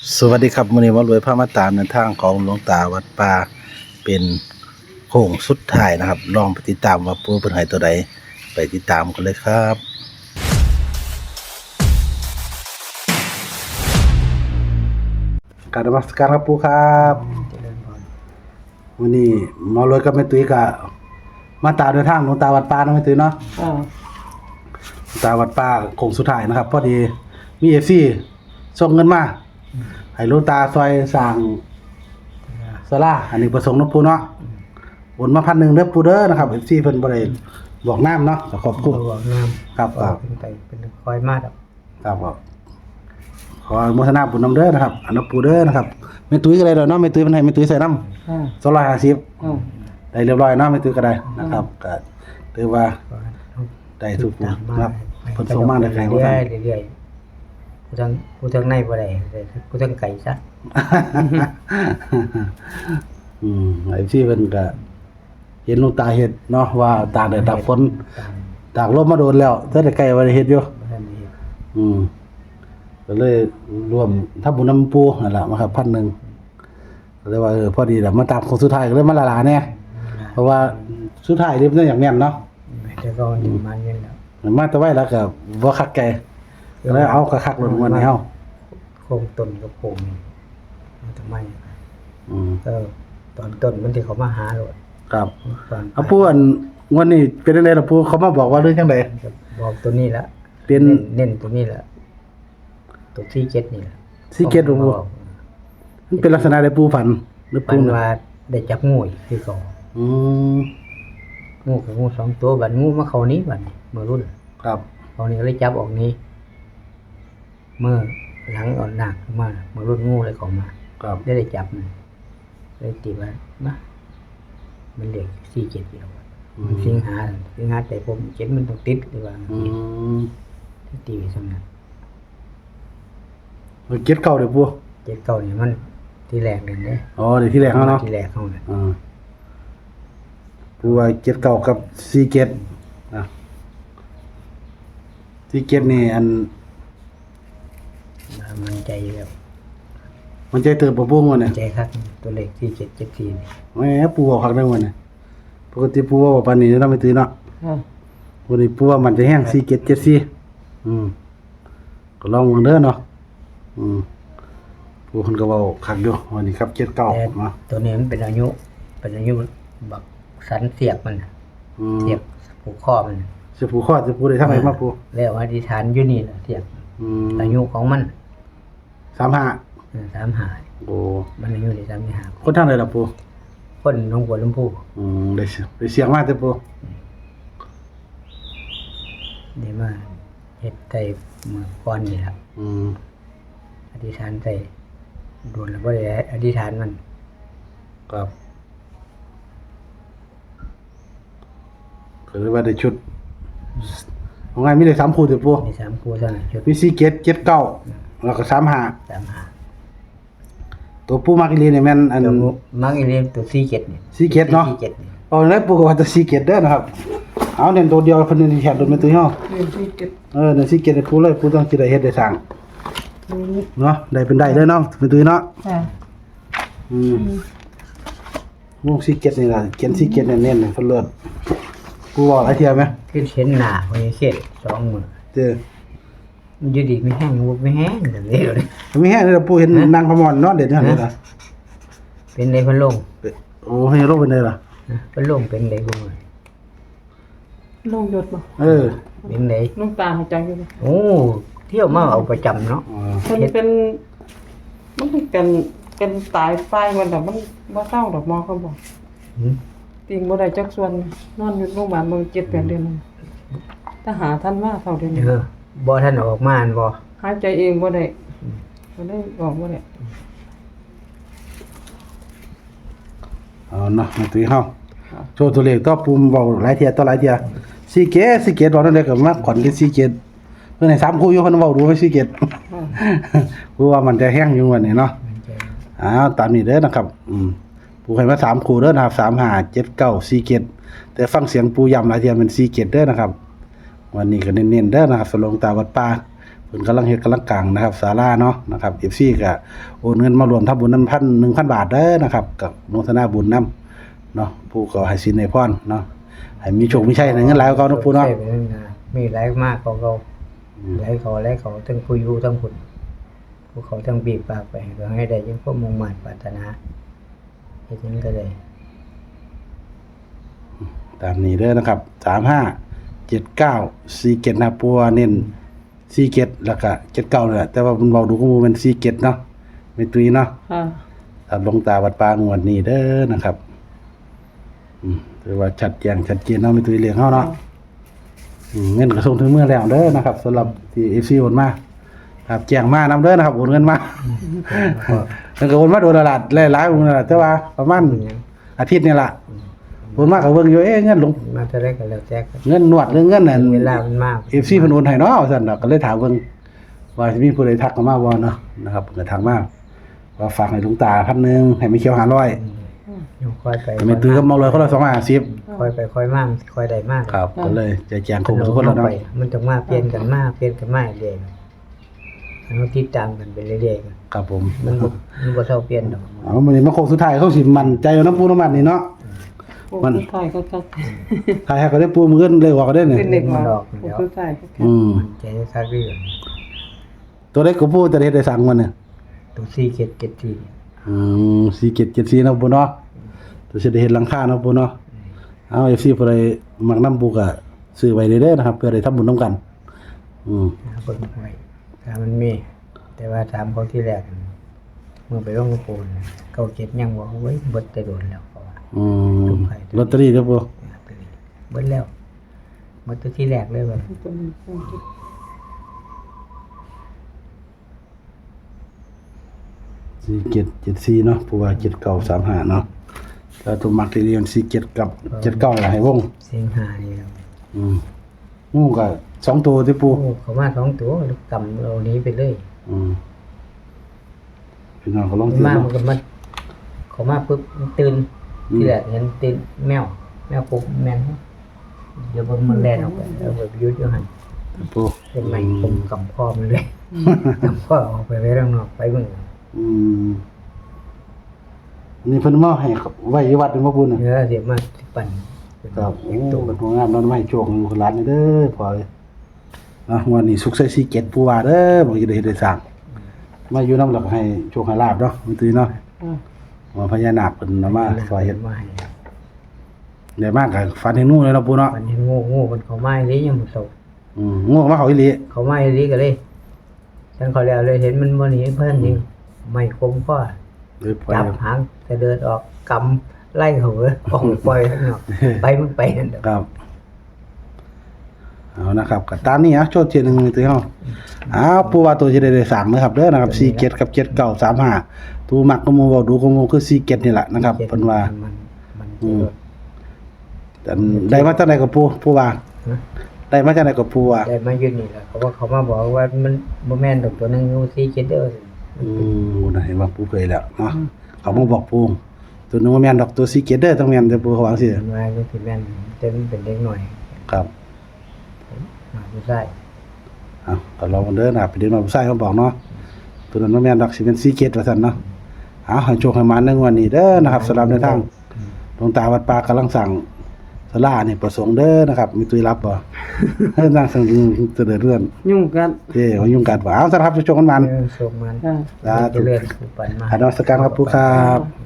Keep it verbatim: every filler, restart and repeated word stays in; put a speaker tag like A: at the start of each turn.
A: สวัสดีครับมื้อนี้มารวยพามาตามในทางของหลวงตาวัดป่าเป็นโค้งสุดท้ายนะครับลองไปติดตามว่าปู่เพิ่นให้ตัวใดไปติดตามกันเลยครับกราบนมัสการครับปู่ครับวันนี้มารวยกับแม่ตุ้ยก็มาตามในทางหลวงตาวัดป่าเนาะแม่ตุ้ยเนาะ
B: อ่า
A: หลวงตาวัดป่าโค้งสุดท้ายนะครับพอดีมี เอฟ ซี ส่งเงินมาให้หลวงตาซอยสร้างศาลาอันนี้ประสงค์เนาะปู่เนาะโอนมาพันหนึ่งเด้อปู่เด้อนะครับ เอฟ ซี เพิ่นบ่ได้บอกน้ำเนาะขอบคุณ
B: บอกน้ำ
A: ครับครับ
B: เป็นไปเป็นคอยมากครับ
A: ครับครับขออนุโมทนาบุญนำเด้อนะครับอันนั้นปู่เด้อนะครับแม่ตุ้ยก็ได้ดอกเนาะแม่ตุ้ยเพิ่นให้แม่ตุ้ยใส่น้ำ
B: อ่า
A: สองร้อยห้าสิบ
B: อ่า
A: ได้เรียบร้อยเนาะแม่ตุ้ยก็ได้นะครับก็ถือว่าได้ทุกผู้นะครับเพิ่นส่งมาได้ไกลบ่
B: เรื่
A: ทั
B: อย
A: น
B: ๆเรื่อยๆผู้ทั้งผู้ทั้งในบ่ได้แต่ผู้ทั้งไก่ซะ
A: อืมไอ้ที่เพิ่นก็เห็นหลวงตาเฮ็ดเนาะว่าตากแดดตากฝนตากลมมาโดนแล้วเท่าได้ใกล้ว่าได้เฮ็ดอยู่
B: บ่ทันได้เฮ็ด
A: อืมก็เลยรวมทำบุญนำปูนั่นล่ะมาครับพันหนึ่งก็เลยว่าเออพอดีแหละมาตามคนสุดท้ายก็เลยมาละลาแน่เพราะว่าสุดท้ายนี่มันอย่างแน่นเนาะ
B: แต่ก็อยู่มาเงินแล้ว
A: มันมาแต่ไว้แล้วก็บ่คักไกลก็เลยเอาคักๆลงวันนี้เฮา
B: โครงต้นกับโครงนี่มันทำไม
A: อืม
B: ก็ตอนต้นมันที่เขามาหาโลด
A: ครับ
B: ตอน
A: เอาปูอันวันนี้เป็นจังได๋ล่ะปูเขามาบอกว่าเรื่องจังได๋
B: บอกตัวนี้ละ
A: เป็น
B: เน้นตัวนี้ละตัวที่เจ็ดนี่ละ
A: ซีเกตบ่ปูมันเป็นลักษณะใดปูฝันหรือ
B: ปั
A: ปู
B: น
A: น่ะ
B: ว่าได้จับงูอีกคือเขา
A: อืม
B: งูกับงูสองตัวบัดงูมาเขานี้บัดนี้เมื่อรุ่น
A: ครับ
B: เขานี้ก็เลยจับออกนี้ เมื่อหลังอ่อนหนักมาเมื่อรุ่นงูเลยเขามา
A: ครับ
B: ได้ได้จับมันเลยตีว่ามามันเด็กสี่เจ็ดอยู่แล้วมันสิงหาสิงหาแต่ผมเจ็ดมันต้องติดหรือว่า
A: อืม
B: ที่ตีไปสำนัก
A: มันเก็ดเก่าเด้อปู
B: เจ็ดเก้านี่มันที่แรกเลยเนี่ย
A: อ๋อเดี๋ยวที่แรกเฮาเนาะ
B: ที่แรกเขาเนี่ย
A: อ่าปูว่าเก็ดเก่ากับซีเก็ดนะซีเก็ดนี่อัน
B: มันใจอยู่แล้ว
A: มันใจเติบบ่ปูงวดเนี่ย
B: ใจครับตัวเลขที่เจ็ดเจ็ดสี่นี่
A: แหมปูบอกคักได้งวดเนี่ยปกติปูว่าบ่ปานนี้เนาะไม่ตื่นเนาะ
B: อ่า
A: วันนี้ปูว่ามันจะแห้งซีเก็ดเจ็ดสี่อืมก็ลองเบิ่งเด้อเนาะอืมปูเพิ่นก็เว้าคักอยู่วันนี้ครับเจ็ดเก้า
B: แต่
A: เนาะ
B: ตัวนี้มันเป็นอายุ เป็นอายุบักสันเสียบมันน่ะ
A: อืม
B: เสียบผูกข้อมันน่ะ
A: สิปูข้อสิปูได้ทางไหนมาปู
B: แล้วอธิษฐานอยู่นี่แหละเสียบ
A: อืม
B: อายุของมัน
A: สามห้า
B: เออสามหา
A: โอ้
B: มันอายุได้สามหา
A: คนทางไหนล่ะปู
B: คนหน้องบัวลำพู
A: อืมได้เสียได้เสียงมาแต่ปู
B: เดี๋ยวมาเฮ็ดใจเมื่อก่อนนี่แหละ
A: อืม
B: อธิษฐานใจโดนแล้วบ่ได้อธิษฐานมัน
A: ครับก็เลยว่าได้ชุดเอาไงมีได้สามคู่แต่ปู
B: มีสามคู่เท่านั้นชุด
A: มีสี่เจ็ดเจ็ดเก้าแล้วก็สามห้า
B: สามหา
A: ตัวปูมักอีหลีนี่แม่นอัน
B: ตัวมักอีเลียมตัวสี่เจ็ดนี่
A: สี่เจ็ดเนาะ
B: สี่เจ็ดนี่
A: เอาแล้วปูก็ว่าจะสี่เจ็ดเด้อนะครับเอาเน้นตัวเดียวเพิ่นนี่แขกโดนเป็นตัวเฮา
B: หนึ่งสี่เจ็ด
A: เออนั่นสี่เจ็ดให้ปูเลยปูต้องสิได้เฮ็ดได้สร้างเนาะได้เป็นได้เด้อเนาะเป็นตัวเนาะ
B: อ่า
A: อืมวงสี่เจ็ดนี่ล่ะเขียนสี่เจ็ดเน้นๆเพิ่นเลิศปูบอกหลายเที่ยไหม
B: ขึ้นเห็นหน้าพญาเขตสองมือ
A: เด้อ
B: มันอยู่ดีไม่แห้งบ่ไม่แห้งเดี๋ยวนี้เลย
A: มีแห้งเลยล่ะปูเห็นนางพมรนอนเด็ดจังซี่ล่ะ
B: เป็นในพันลง
A: โอ้ให้โรคเป็นไดล่ะ
B: นะพันลงเป็นในกูมือ
C: ลงหยดบ่
A: เออ
B: เป็นใน
C: น้องตาหายใจอยู่บ่
B: โอ้เที่ยวมาเอาประจำเนาะ
A: อ๋อ
C: มันเป็นมันเป็นเป็นตายไฟมันแต่มันบ่เศร้าดอกหมอเขาบอก
B: หืม
C: ติงบ่ได้จักส่วนนอนอยู่โรงพยาบาลเบิ่งเจ็ดแปดเดือนแล้วถ้าหาท่านว่าเท่าเดือนนี้
B: เออบ่ท่านออกมาอันบ่
C: หายใจเองบ่ได้บ่ได้ออกบ่ได้
A: เอาเนาะมาตีเฮาโชว์ตัวเลขต่อปุ่มเว้าหลายเที่ยต่อหลายเที่ยสี่เกตสี่เกตบอกนั่นเลยก็มาขอนกันสี่เกตเพิ่นให้สามคู่อยู่เพิ่นเว้าดูไว้สี่เกต เพราะว่ามันจะแห้งอยู่วันนี้เนาะ
B: มันจะ
A: อ้าวตามนี้เด้อนะครับอืมปูให้มาสามคู่เด้อนะครับสาม ห้า เจ็ด เก้า สี่เกตแต่ฟังเสียงปูย้ำหลายเที่ยเป็นสี่เกตเด้อนะครับวันนี้ก็เน้นๆเด้อนะครับสลงตาวัดป่าเพิ่นกำลังเฮ็ดกำลังกลางนะครับศาลาเนาะนะครับ เอฟ ซี ก็โอนเงินมารวมทำบุญนำพัน หนึ่งพัน บาทเด้อนะครับกับอนุโมทนาบุญนํเนาะผู้ก็ให้สินให้พรเนาะให้มีโชคมีชัยในเงินหลายกว่าเก่าเนาะปู่เนาะ
B: ใช่ไปนั่นนะมีหลายมากเขาเขาหลายเขาหลายเขาทั้งผู้อยู่ทั้งผู้ผู้เขาทั้งบีบปากไปก็ให้ได้ยังพวกมุ่งมั่นปรารถนาเฮ็ดหยังก็ได้
A: ตามนี้เด้อนะครับสามห้า เจ็ดเก้า สี่เจ็ดนะปัวเน้นสี่เจ็ดแล้วก็เจ็ดเก้านั่นแหละแต่ว่ามันเว้าดูก็มูเป็นสี่เจ็ดเนาะไม่ตุยเนาะ
C: ค่ะ
A: ตามหลวงตาวัดป่างวดนี้เด้อนะครับอืมถือว่าชัดแจ้งชัดเจนเนาะไม่ตุยเลี้ยงเฮาเนาะอืมเงินก็ส่งถึงมือแล้วเด้อนะครับสำหรับที่ เอฟ ซี โอนมาครับแจ้งมานำเด้อนะครับโอนเงินมาแล้วก็โอนมาโดนตลาดหลายๆองค์นั่นล่ะแต่ว่าประมาณอาทิตย์นี่ล่ะโอนมาก็เบิ่งอยู่เอ๊ะเงินหลวง
B: มาเท่าไรก็แล้วแต่กัน
A: เงินนวดหรือเงินนั่น
B: เวลามันมาก
A: เอฟซีเพิ่นโอนให้เนาะว่าซั่นดอกก็เลยถามเพิ่นว่าสิมีผู้ใดทักเข้ามาบ่เนาะนะครับเพิ่นก็ทักมาว่าฝากให้หลวงตาพันหนึงให้ไม่เขียวห้าร้อย
B: ยังค่อยไป
A: ไม่ตื้อกับเมาเลยคนละสองร้อยห้าสิบ
B: ค่อยไปค่อยมากค่อยได้มาก
A: ครับก็เลยจะแจงครบทุกคนแล้วเนาะ
B: ไปมันต้องมาเปลี่ยนกันมาเปลี่ยนกันมาเรื่อยๆเราติดตามกันไปเรื่อยๆกัน
A: ครับผม
B: มันบ่มันบ่เท่าเปลี่ยนดอก
A: เอามื้อนี้มาโค้งสุดท้ายเขาสิมั่นใจเอาน้ำปูน้ำมันนี่เนาะ
C: โอ้
A: มัน
C: สุดท้ายก็จัด
A: ท้ายให้ก็ได้ปูมื้อเงินเลยว่าก็ได้เนี่ย
C: เป็นเด็กมาโอ้สุดท้ายก็จัด
A: อืม
B: ใจคักเรื่อง
A: ตัวเล็กก็ปูจะได้เฮ็ดได้สั่งมันเนี่ย
B: ตัวสี่เจ็ดเจ็ดสี่
A: อืมสี่เจ็ดเจ็ดสี่เนาะปูเนาะตัวสิได้เฮ็ดหลังคาเนาะปูเนาะเอา เอฟ ซี ผู้ใดมักนำปูก็ซื้อไว้เด้อนะครับเพื่อได้ทำบุญนํกันอืม
B: เบิ่งไว้ถ้ามันมี แต่ว่าถามเขาที่แรกเมื่อไปลงกระโปรงเก้าเจ็ดยังบอกเว้ยเบิดแต่โดนแล้วเขาว่า
A: อืมลอตเตอรี่เด้อปู
B: เบิดแล้วเบิดตัวที่แรกเลยว่า
A: สี่เจ็ดเจ็ดสี่เนาะปูว่าเจ็ดเก้าสามห้าเนาะแล้วตัวมักที่เรียนสี่เจ็ดกับเจ็ดเก้าล่ะให้วง
B: เสียงหานี่ครับ
A: อืมงูก็สองตัวที่ปู
B: โอ้เขามาสองตัวกำเรานี้ไปเลย
A: อืมพี่น้องก็ลอง
B: มัน
A: ซื้อ
B: มา
A: เนาะ
B: มันก็มาเขามาปุ๊บมันตื่น
A: อืม
B: ที่แรกเห็นตื่นแมว แมวปุ๊บแมนเดี๋ยวมันมันแล่นออกไปแล้วแบบยุดอยู่หัน
A: ปู
B: เป็นใหม่ผมกำพ่อมันเลยกำพ่อออกไปไว้ข้างนอกไปเบิ่ง
A: อืมอันนี่เพิ่นมาให้ไว้อยู่วัดเป็นบ่ปูน่ะ
B: เนื้อเดี๋ยวมาสิปั่นเป็น
A: ครับ
B: เอ
A: โอ้
B: กตัว
A: เป็นหัวงามเนาะมาให้โชคให้คนร้านนี่เด้อพอเลยอ่ะวันนี้สุขใส่สี่เจ็ดปูว่าเด้อบ่สิได้เฮ็ดได้สร้างมาอยู่นำแล้วก็ให้โชคให้ลาบเนาะมันตื้อเนาะ
C: อ่า
A: ว่าพญานาคเพิ่นเอามาซอยเฮ็ด
B: มาให้
A: ได้มากก็ฝันเห็นงูเลยเนาะปูเนาะ
B: ปั่นเห็นโง่โง่มันเขาไม้เลยยังมันโต
A: อืมงูมาเขาอีหลี
B: เขาไม้เลยก็เลยฉันเขาแล้วเลยเห็นมันบ่หนีเพิ่นยิงไม่คมก็
A: เลยปล่อย
B: จับหางจะเดินออกกำไล่เขาเลยออกปล่อยข้างนอกไปมันไปนั่นเด้อ
A: ครับเอานะครับก็ตามนี้อ่ะโชดเจนึงตัวเฮาอ้าวปูว่าตัวสิได้ได้สร้างนะครับเด้อนะครับสี่เจ็ดกับเจ็ดเก้าสามห้าตัวมักก็หมู่เว้าดูก็หมู่คือสี่เจ็ดนี่แหละนะครับเพิ่นว่า
B: มันมัน
A: อืม แต่ได้มาจากไหนกับปูปูว่า
B: ฮะ
A: ได้มาจากไหนกับปูว่า
B: ได้มาอยู่นี่แหละเขาว่าเขามาบอกว่ามันบ่แม่นดอกตัวหนึงอยู่สี่เจ็ดเด้อ
A: อืมนะเห็นว่าปูเคยแล้วเนาะเขามาบอกปูตัวนึงว่าแม่นดอกตัวสี่เจ็ดเด้อต้องแม่นแต่ปูเขาว่าจังซี่
B: มันว่าจังสิแม่นแต่มันเป็นเด็กหน่อย
A: ครับ
B: มาผู้ชาย
A: เอาก็ลองกันเด้อนะครับไปเด็กน้อยผู้ชายเขาบอกเนาะตัวนั้นว่าแม่นดอกสิเป็นสี่เจ็ดว่าซั่นเนาะเอาให้โชคให้มาในงวดนี้เด้อนะครับสำหรับในทางหลวงตาวัดป่ากำลังสั่งศาลานี่ประสงค์เด้อนะครับมีตุยรับบ่ ให้สร้างสั่งเสด็จเรื่อน
C: ยุ่งกัน
A: เอ้ว่ายุ่งกัดบ่เอาสำหรับโชคกันมัน
B: เออส่งมัน
C: อ่า
A: สาธุ
B: เจริญผู้ปันมา
A: อานมัสการครับปูครับ